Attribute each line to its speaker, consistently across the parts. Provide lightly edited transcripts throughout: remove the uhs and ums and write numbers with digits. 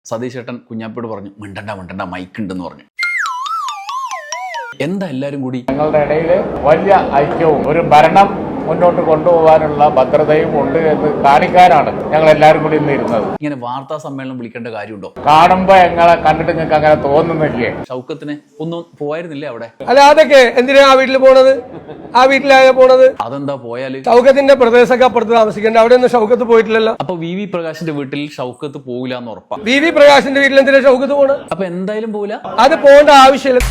Speaker 1: സതീഷ് ചേട്ടൻ കുഞ്ഞാപ്പിയോട് പറഞ്ഞു മിണ്ടണ്ട മൈക്ക് ഉണ്ടെന്ന് പറഞ്ഞു. എന്താ എല്ലാരും കൂടി
Speaker 2: ഞങ്ങളുടെ ഇടയിൽ വലിയ ഐക്യവും ഒരു ഭരണം മുന്നോട്ട് കൊണ്ടുപോകാനുള്ള ഭദ്രതയും ഉണ്ട് എന്ന് കാണിക്കാനാണ് ഞങ്ങൾ എല്ലാവരും കൂടി ഇന്ന് ഇരുന്നത്.
Speaker 1: ഇങ്ങനെ വാർത്താ സമ്മേളനം വിളിക്കേണ്ട കാര്യമുണ്ടോ?
Speaker 2: കാണുമ്പോ ഞങ്ങളെ കണ്ടിട്ട് നിങ്ങൾക്ക് അങ്ങനെ തോന്നുന്നില്ലേ?
Speaker 1: ഷൗക്കത്തിന് ഒന്നും പോയായിരുന്നില്ലേ അവിടെ?
Speaker 3: അല്ല, അതൊക്കെ എന്തിനാ ആ വീട്ടിൽ പോണത്? ആ വീട്ടിലായ പോണത്?
Speaker 1: അതെന്താ പോയാല്?
Speaker 3: ഷൗക്കത്തിന്റെ പ്രദേശമൊക്കെ അപ്പുറത്ത് താമസിക്കേണ്ട, അവിടെ ഒന്നും ഷൗക്കത്ത് പോയിട്ടില്ലല്ലോ.
Speaker 1: അപ്പൊ വി വി പ്രകാശിന്റെ വീട്ടിൽ ഷൗക്കത്ത് പോകില്ല എന്ന് ഉറപ്പാ?
Speaker 3: വി വി പ്രകാശിന്റെ വീട്ടിൽ എന്തിനാ ഷൗക്കത്ത് പോണത്?
Speaker 1: അപ്പൊ എന്തായാലും പോകില്ല.
Speaker 3: അത് പോകേണ്ട ആവശ്യമില്ല.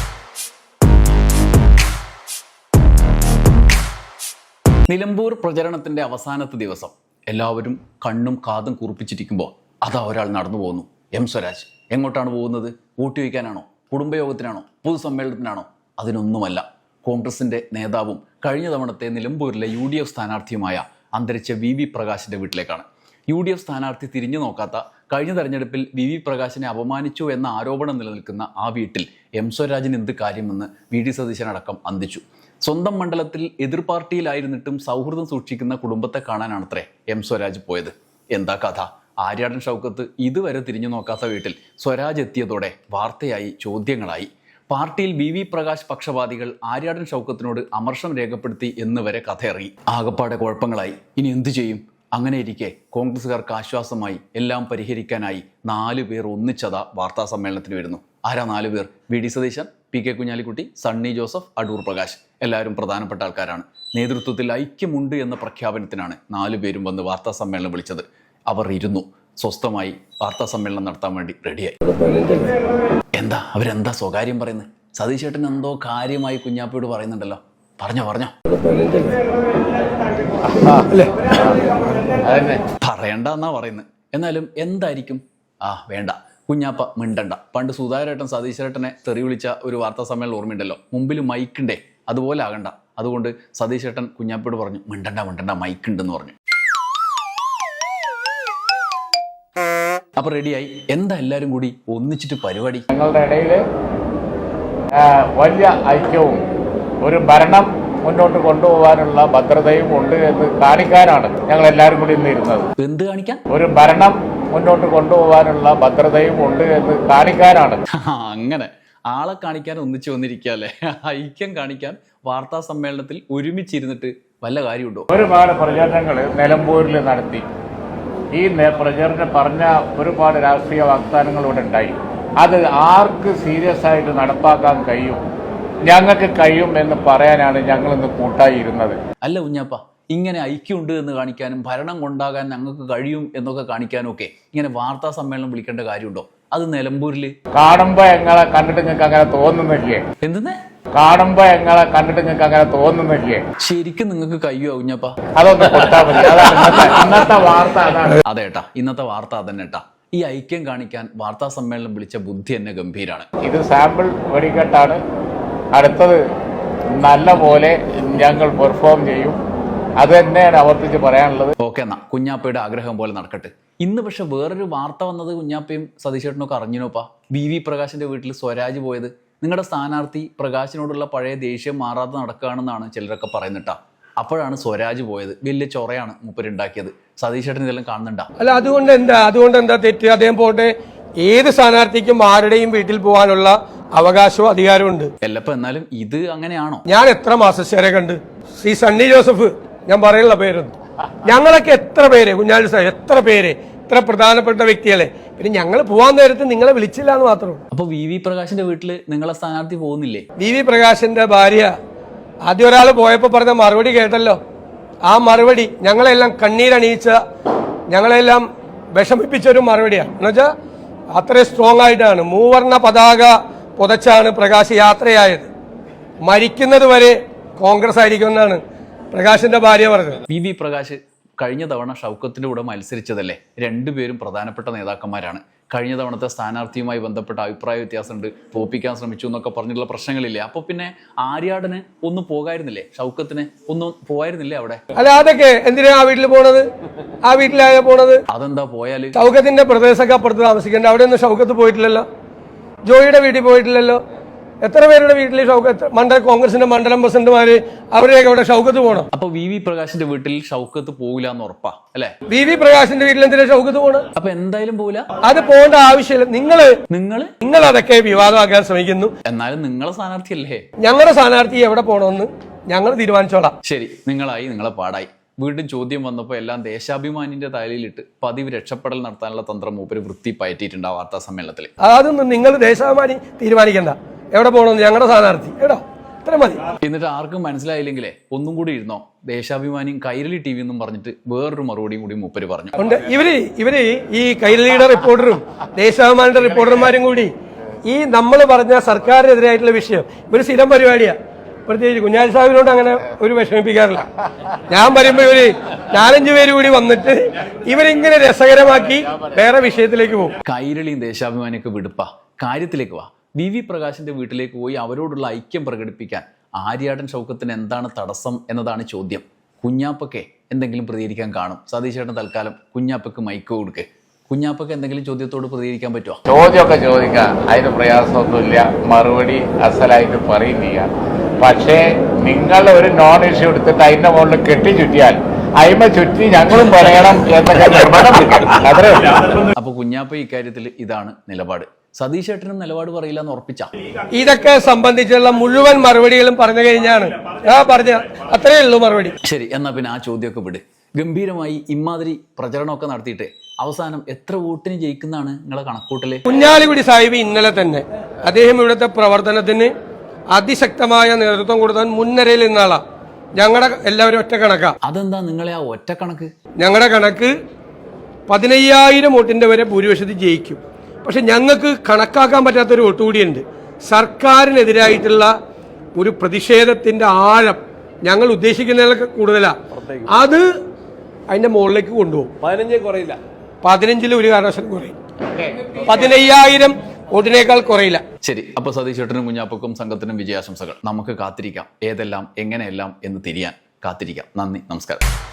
Speaker 1: നിലമ്പൂർ പ്രചരണത്തിന്റെ അവസാനത്തെ ദിവസം എല്ലാവരും കണ്ണും കാതും കുറിപ്പിച്ചിരിക്കുമ്പോൾ അതാ ഒരാൾ നടന്നു പോകുന്നു. എം സ്വരാജ്. എങ്ങോട്ടാണ് പോകുന്നത്? വോട്ട് ചോദിക്കാനാണോ? കുടുംബയോഗത്തിനാണോ? പൊതുസമ്മേളനത്തിനാണോ? അതിനൊന്നുമല്ല. കോൺഗ്രസിന്റെ നേതാവും കഴിഞ്ഞ തവണത്തെ നിലമ്പൂരിലെ UDF സ്ഥാനാർത്ഥിയുമായ അന്തരിച്ച വി വി പ്രകാശിന്റെ വീട്ടിലേക്കാണ്. UDF സ്ഥാനാർത്ഥി തിരിഞ്ഞു നോക്കാത്ത, കഴിഞ്ഞ തെരഞ്ഞെടുപ്പിൽ വി വി പ്രകാശിനെ അപമാനിച്ചു എന്ന ആരോപണം നിലനിൽക്കുന്ന ആ വീട്ടിൽ എം സ്വരാജിന് എന്ത് കാര്യമെന്ന് VD സതീശനടക്കം അന്തിച്ചു. സ്വന്തം മണ്ഡലത്തിൽ എതിർ പാർട്ടിയിലായിരുന്നിട്ടും സൗഹൃദം സൂക്ഷിക്കുന്ന കുടുംബത്തെ കാണാനാണത്രേ എം സ്വരാജ് പോയത്. എന്താ കഥ? ആര്യാടൻ ഷൗക്കത്ത് ഇതുവരെ തിരിഞ്ഞു നോക്കാത്ത വീട്ടിൽ സ്വരാജ് എത്തിയതോടെ വാർത്തയായി, ചോദ്യങ്ങളായി. പാർട്ടിയിൽ വി വി പ്രകാശ് പക്ഷപാതികൾ ആര്യാടൻ ഷൗക്കത്തിനോട് അമർഷം രേഖപ്പെടുത്തി എന്ന് വരെ കഥയിറങ്ങി. ആകപ്പാടെ കുഴപ്പങ്ങളായി. ഇനി എന്തു ചെയ്യും? അങ്ങനെ ഇരിക്കെ കോൺഗ്രസുകാർക്ക് ആശ്വാസമായി, എല്ലാം പരിഹരിക്കാനായി 4 പേർ ഒന്നിച്ചതാ വാർത്താ സമ്മേളനത്തിന് വരുന്നു. ആരാ 4 പേർ? VD Satheesan, PK Kunhalikutty, Sunny Joseph, Adoor Prakash. എല്ലാവരും പ്രധാനപ്പെട്ട ആൾക്കാരാണ്. നേതൃത്വത്തിൽ ഐക്യമുണ്ട് എന്ന പ്രഖ്യാപനത്തിനാണ് 4 പേരും വന്ന് വാർത്താ സമ്മേളനം വിളിച്ചത്. അവർ ഇരുന്നു സ്വസ്ഥമായി വാർത്താ സമ്മേളനം നടത്താൻ വേണ്ടി റെഡിയായി. അവരെന്താ സ്വകാര്യം പറയുന്നത്? സതീഷ് ചേട്ടൻ എന്തോ കാര്യമായി കുഞ്ഞാപ്പിയോട് പറയുന്നുണ്ടല്ലോ. പറഞ്ഞോ പറയണ്ട എന്നാ പറയുന്നത്. എന്നാലും എന്തായിരിക്കും? വേണ്ട, കുഞ്ഞാപ്പ മിണ്ടണ്ട. പണ്ട് സുധാകരേട്ടൻ സതീഷ് ചേട്ടനെ തെറി വിളിച്ച ഒരു വാർത്താ സമ്മേളനം ഓർമ്മയുണ്ടല്ലോ. മുമ്പിൽ മൈക്കുണ്ടേ, അതുപോലെ ആകണ്ട. അതുകൊണ്ട് സതീഷ് ചേട്ടൻ കുഞ്ഞാപ്പിയോട് പറഞ്ഞു മിണ്ടണ്ട മൈക്ക് ഉണ്ടെന്ന് പറഞ്ഞു. അപ്പൊ റെഡിയായി. എന്താ എല്ലാരും കൂടി ഒന്നിച്ചിട്ട് പരിപാടി?
Speaker 2: ഞങ്ങളുടെ ഇടയിൽ വലിയ ഐക്യവും ഒരു ഭരണം മുന്നോട്ട് കൊണ്ടുപോകാനുള്ള ഭദ്രതയും ഉണ്ട് എന്ന് കാണിക്കാനാണ് ഞങ്ങൾ എല്ലാവരും കൂടി ഇന്ന് ഇരുന്നത്.
Speaker 1: എന്ത് കാണിക്കാൻ?
Speaker 2: ഒരു ഭരണം മുന്നോട്ട് കൊണ്ടുപോകാനുള്ള ഭദ്രതയും ഉണ്ട് എന്ന് കാണിക്കാനാണ്.
Speaker 1: അങ്ങനെ ആളെ കാണിക്കാൻ ഒന്നിച്ചു വന്നിരിക്കല്ലേ? ഐക്യം കാണിക്കാൻ വാർത്താ സമ്മേളനത്തിൽ ഒരുമിച്ചിരുന്നിട്ട് വല്ല കാര്യമുണ്ടോ?
Speaker 2: ഒരുപാട് പ്രചരണങ്ങൾ നിലമ്പൂരിൽ നടത്തി. ഈ പ്രചരണം പറഞ്ഞ ഒരുപാട് രാഷ്ട്രീയ വാഗ്ദാനങ്ങൾ ഇവിടെ ഉണ്ടായി. അത് ആർക്ക് സീരിയസ് ആയിട്ട് നടപ്പാക്കാൻ കഴിയും? ഞങ്ങൾക്ക് കഴിയും എന്ന് പറയാനാണ് ഞങ്ങൾ ഇന്ന് കൂട്ടായി ഇരുന്നത്.
Speaker 1: അല്ല കുഞ്ഞാപ്പ, ഇങ്ങനെ ഐക്യമുണ്ട് എന്ന് കാണിക്കാനും ഭരണം കൊണ്ടാകാൻ ഞങ്ങൾക്ക് കഴിയും എന്നൊക്കെ കാണിക്കാനും ഒക്കെ ഇങ്ങനെ വാർത്താ സമ്മേളനം വിളിക്കേണ്ട കാര്യമുണ്ടോ? അത് നിലമ്പൂരില്
Speaker 2: കാണുമ്പോ ഞങ്ങളെ കണ്ടിട്ട് നിങ്ങൾക്ക് അങ്ങനെ തോന്നുന്നില്ലേ?
Speaker 1: എന്തെന്ന്?
Speaker 2: കാണുമ്പോ ഞങ്ങളെ കണ്ടിട്ട് നിങ്ങൾക്ക് അങ്ങനെ തോന്നുന്നില്ലേ?
Speaker 1: ശരിക്കും നിങ്ങൾക്ക് കഴിയോ കുഞ്ഞാപ്പ?
Speaker 2: അതൊന്ന് കൊടുത്താൽ മതി. അതാണ് ഇന്നത്തെ വാർത്ത. അതാണ്.
Speaker 1: അതേട്ടാ, ഇന്നത്തെ വാർത്ത അതന്നെ ഏട്ടാ. ഈ ഐക്യം കാണിക്കാൻ വാർത്താ സമ്മേളനം വിളിച്ച ബുദ്ധി തന്നെ ഗംഭീരാണ്.
Speaker 2: ഇത് സാമ്പിൾ വെടിക്കെട്ടാണ്. അടുത്തത് നല്ല പോലെ ഞങ്ങൾ പെർഫോം ചെയ്യും. അത് തന്നെയാണ് ആവർത്തിച്ച് പറയാനുള്ളത്.
Speaker 1: ഓക്കെ, എന്നാ കുഞ്ഞാപ്പയുടെ ആഗ്രഹം പോലെ നടക്കട്ടെ. ഇന്ന് പക്ഷെ വേറൊരു വാർത്ത വന്നത് കുഞ്ഞാപ്പയും സതീശേട്ടനൊക്കെ അറിഞ്ഞിനോപ്പാ. വി വി പ്രകാശിന്റെ വീട്ടിൽ സ്വരാജ് പോയത്. നിങ്ങളുടെ സ്ഥാനാർത്ഥി പ്രകാശിനോടുള്ള പഴയ ദേഷ്യം മാറാതെ നടക്കുകയാണെന്നാണ് ചിലരൊക്കെ പറയുന്നിട്ടാ. അപ്പോഴാണ് സ്വരാജ് പോയത്. വലിയ ചൊറയാണ് മൂപ്പരുണ്ടാക്കിയത്. സതീശേട്ടൻ ഇതെല്ലാം കാണുന്നുണ്ടാ?
Speaker 3: അല്ല, അതുകൊണ്ട് എന്താ തെറ്റ്? അദ്ദേഹം പോട്ടെ. ഏത് സ്ഥാനാർത്ഥിക്കും ആരുടെയും വീട്ടിൽ പോകാനുള്ള അവകാശവും അധികാരവും ഉണ്ട്.
Speaker 1: എല്ലപ്പോ എന്നാലും ഇത് അങ്ങനെയാണോ?
Speaker 3: ഞാൻ എത്ര മാസശ്ശേരെ കണ്ട് ശ്രീ സണ്ണി ജോസഫ്, ഞാൻ പറയാനുള്ള പേരൊന്നും, ഞങ്ങളൊക്കെ എത്ര പേര്, കുഞ്ഞാലി സാർ എത്ര പേര്, ഇത്ര പ്രധാനപ്പെട്ട വ്യക്തികളെ, പിന്നെ ഞങ്ങൾ പോവാൻ നേരത്ത് നിങ്ങളെ വിളിച്ചില്ല എന്ന് മാത്രമേ ഉള്ളൂ.
Speaker 1: അപ്പൊ വി വി പ്രകാശിന്റെ വീട്ടില് നിങ്ങളെ സ്ഥാനാർത്ഥി പോകുന്നില്ലേ?
Speaker 3: വി വി പ്രകാശിന്റെ ഭാര്യ ആദ്യം ഒരാൾ പോയപ്പോ പറഞ്ഞ മറുപടി കേട്ടല്ലോ. ആ മറുപടി ഞങ്ങളെല്ലാം കണ്ണീരണിയിച്ച, ഞങ്ങളെല്ലാം വിഷമിപ്പിച്ചൊരു മറുപടിയാണ്. എന്നുവെച്ചാൽ അത്രയും സ്ട്രോങ് ആയിട്ടാണ്. മൂവർണ്ണ പതാക പുതച്ചാണ് പ്രകാശ് യാത്രയായത്. മരിക്കുന്നത് വരെ കോൺഗ്രസ് ആയിരിക്കുമെന്നാണ് പ്രകാശിന്റെ ഭാര്യ പറഞ്ഞത്.
Speaker 1: വി വി പ്രകാശ് കഴിഞ്ഞ തവണ ഷൗക്കത്തിന്റെ കൂടെ മത്സരിച്ചതല്ലേ? രണ്ടുപേരും പ്രധാനപ്പെട്ട നേതാക്കന്മാരാണ്. കഴിഞ്ഞ തവണത്തെ സ്ഥാനാർത്ഥിയുമായി ബന്ധപ്പെട്ട അഭിപ്രായ വ്യത്യാസമുണ്ട്, തോപ്പിക്കാൻ ശ്രമിച്ചു എന്നൊക്കെ പറഞ്ഞിട്ടുള്ള പ്രശ്നങ്ങളില്ലേ? അപ്പൊ പിന്നെ ആര്യാടന് ഒന്നും പോകായിരുന്നില്ലേ? ഷൗക്കത്തിന് ഒന്നും പോയായിരുന്നില്ലേ അവിടെ?
Speaker 3: അല്ല, അതൊക്കെ എന്തിനാ ആ വീട്ടിൽ പോണത്? ആ വീട്ടിലായ പോണത്?
Speaker 1: അതെന്താ പോയാല്?
Speaker 3: ഷൗക്കത്തിന്റെ പ്രദേശമൊക്കെ അപ്പുറത്ത് താമസിക്കേണ്ട, അവിടെ ഒന്നും ഷൗക്കത്ത് പോയിട്ടില്ലല്ലോ. ജോയിയുടെ വീട്ടിൽ പോയിട്ടില്ലല്ലോ. എത്ര പേരുടെ വീട്ടിൽ ഷൗക്കത്ത് കോൺഗ്രസിന്റെ മണ്ഡലം പ്രസിഡന്റുമാര് അവരെയൊക്കെ ഇവിടെ ഷൗക്കത്ത് പോകണം?
Speaker 1: അപ്പൊ വി പ്രകാശിന്റെ വീട്ടിൽ ഷൗക്കത്ത് പോകില്ല എന്ന് ഉറപ്പാ അല്ലെ?
Speaker 3: വി പ്രകാശിന്റെ വീട്ടിൽ എന്തിനാ ഷൗക്കത്ത് പോകണം?
Speaker 1: അപ്പൊ എന്തായാലും പോകില്ല.
Speaker 3: അത് പോകേണ്ട ആവശ്യമില്ല.
Speaker 1: നിങ്ങൾ
Speaker 3: അതൊക്കെ വിവാദമാക്കാൻ ശ്രമിക്കുന്നു.
Speaker 1: എന്നാലും നിങ്ങളെ സ്ഥാനാർത്ഥിയല്ലേ?
Speaker 3: ഞങ്ങളുടെ സ്ഥാനാർത്ഥി എവിടെ പോകണമെന്ന് ഞങ്ങൾ തീരുമാനിച്ചോളാം.
Speaker 1: ശരി, നിങ്ങളെ പാടായി. വീണ്ടും ചോദ്യം വന്നപ്പോൾ എല്ലാം ദേശാഭിമാനിന്റെ തലയിലിട്ട് പതിവ് രക്ഷപ്പെടൽ നടത്താനുള്ള തന്ത്രം മൂപ്പര് വൃത്തി പയറ്റിയിട്ടുണ്ട് ആ വാർത്താ സമ്മേളനത്തിൽ.
Speaker 3: അതൊന്നും നിങ്ങൾ ദേശാഭിമാനി തീരുമാനിക്കണ്ട എവിടെ പോകണമെന്ന്. ഞങ്ങളുടെ സ്ഥാനാർത്ഥി എടോ ഇത്ര മതി.
Speaker 1: എന്നിട്ട് ആർക്കും മനസ്സിലായില്ലെങ്കിലേ ഒന്നും കൂടി ഇരുന്നോ, ദേശാഭിമാനിയും കൈരളി ടി വി എന്നും പറഞ്ഞിട്ട് വേറൊരു മറുപടിയും കൂടി മൂപ്പര് പറഞ്ഞു.
Speaker 3: ഉണ്ട്. ഇവര് ഈ കൈരളിയുടെ റിപ്പോർട്ടറും ദേശാഭിമാനിയുടെ റിപ്പോർട്ടർമാരും കൂടി ഈ നമ്മൾ പറഞ്ഞ സർക്കാരിനെതിരായിട്ടുള്ള വിഷയം ഇവര് സ്ഥിരം പരിപാടിയാ. പ്രത്യേകിച്ച് കുഞ്ഞാലി സാഹിബിനോട് അങ്ങനെ ഒരു വിഷമിപ്പിക്കാറില്ല. ഞാൻ പറയുമ്പോ ഇവര് 4-5 പേര് കൂടി വന്നിട്ട് ഇവരിങ്ങനെ രസകരമാക്കി വേറെ വിഷയത്തിലേക്ക് പോകും.
Speaker 1: കൈരളിയും ദേശാഭിമാനിയൊക്കെ വിടുപ്പാ, കാര്യത്തിലേക്ക് വാ. വി പ്രകാശിന്റെ വീട്ടിലേക്ക് പോയി അവരോടുള്ള ഐക്യം പ്രകടിപ്പിക്കാൻ ആര്യാടൻ ഷൗക്കത്തിന് എന്താണ് തടസ്സം എന്നതാണ് ചോദ്യം. കുഞ്ഞാപ്പക്കെ എന്തെങ്കിലും പ്രതികരിക്കാൻ കാണും. സതീശേട്ടൻ തൽക്കാലം കുഞ്ഞാപ്പക്ക് മൈക്ക് കൊടുക്ക്. കുഞ്ഞാപ്പക്ക് എന്തെങ്കിലും ചോദ്യത്തോട് പ്രതികരിക്കാൻ പറ്റുമോ?
Speaker 2: ചോദ്യമൊക്കെ ചോദിക്കാം, അതിന് പ്രയാസമൊന്നുമില്ല. മറുപടി അസലായിട്ട് പറയും ചെയ്യാം. പക്ഷേ നിങ്ങൾ ഒരു നോൺ ഇഷ്യൂ എടുത്തിട്ട് അതിന്റെ മുകളിൽ കെട്ടിച്ചുറ്റിയാൽ അയിമ ചുറ്റി ഞങ്ങളും പറയണം എന്നൊക്കെ നിർബന്ധം പിടിക്കണം. അത്രേ ഉള്ളൂ.
Speaker 1: അപ്പൊ കുഞ്ഞാപ്പ ഇക്കാര്യത്തിൽ ഇതാണ് നിലപാട്. സതീശേട്ടനും നിലപാട് പറയില്ല എന്ന് ഉറപ്പിച്ച.
Speaker 3: ഇതൊക്കെ സംബന്ധിച്ചുള്ള മുഴുവൻ മറുപടികളും പറഞ്ഞു കഴിഞ്ഞാണ് ഞാൻ പറഞ്ഞ അത്രയേ ഉള്ളൂ മറുപടി.
Speaker 1: ശരി, എന്നാ പിന്നെ ആ ചോദ്യമൊക്കെ വിട്. ഗംഭീരമായി ഇമാതിരി പ്രചരണമൊക്കെ നടത്തിയിട്ട് അവസാനം എത്ര വോട്ടിന് ജയിക്കുന്നതാണ് നിങ്ങളെ കണക്കൂട്ടല്?
Speaker 3: കുഞ്ഞാലിക്കുടി സാഹിബ് ഇന്നലെ തന്നെ അദ്ദേഹം ഇവിടുത്തെ പ്രവർത്തനത്തിന് അതിശക്തമായ നേതൃത്വം കൊടുത്താൽ മുൻനിരയിൽ നിന്നാളാ. ഞങ്ങളുടെ എല്ലാവരും ഒറ്റ കണക്കാ.
Speaker 1: അതെന്താ നിങ്ങളെ ആ ഒറ്റ കണക്ക്?
Speaker 3: ഞങ്ങളുടെ കണക്ക് 15,000 വോട്ടിന്റെ വരെ ഭൂരിപക്ഷത്തിൽ ജയിക്കും. പക്ഷെ ഞങ്ങൾക്ക് കണക്കാക്കാൻ പറ്റാത്തൊരു വോട്ട് കൂടിയുണ്ട്. സർക്കാരിനെതിരായിട്ടുള്ള ഒരു പ്രതിഷേധത്തിന്റെ ആഴം ഞങ്ങൾ ഉദ്ദേശിക്കുന്നതിലൊക്കെ കൂടുതലാണ്. അത് അതിന്റെ മുകളിലേക്ക് കൊണ്ടുപോകും. 15 കുറയില്ല. 15 ഒരു കാരണവശാലും കുറയും. 15,000 വോട്ടിനേക്കാൾ കുറയില്ല.
Speaker 1: ശരി, അപ്പൊ സതീശേട്ടനും കുഞ്ഞാപ്പക്കും സംഘത്തിനും വിജയാശംസകൾ. നമുക്ക് കാത്തിരിക്കാം, ഏതെല്ലാം എങ്ങനെയെല്ലാം എന്ന് തിരിയാൻ കാത്തിരിക്കാം. നന്ദി, നമസ്കാരം.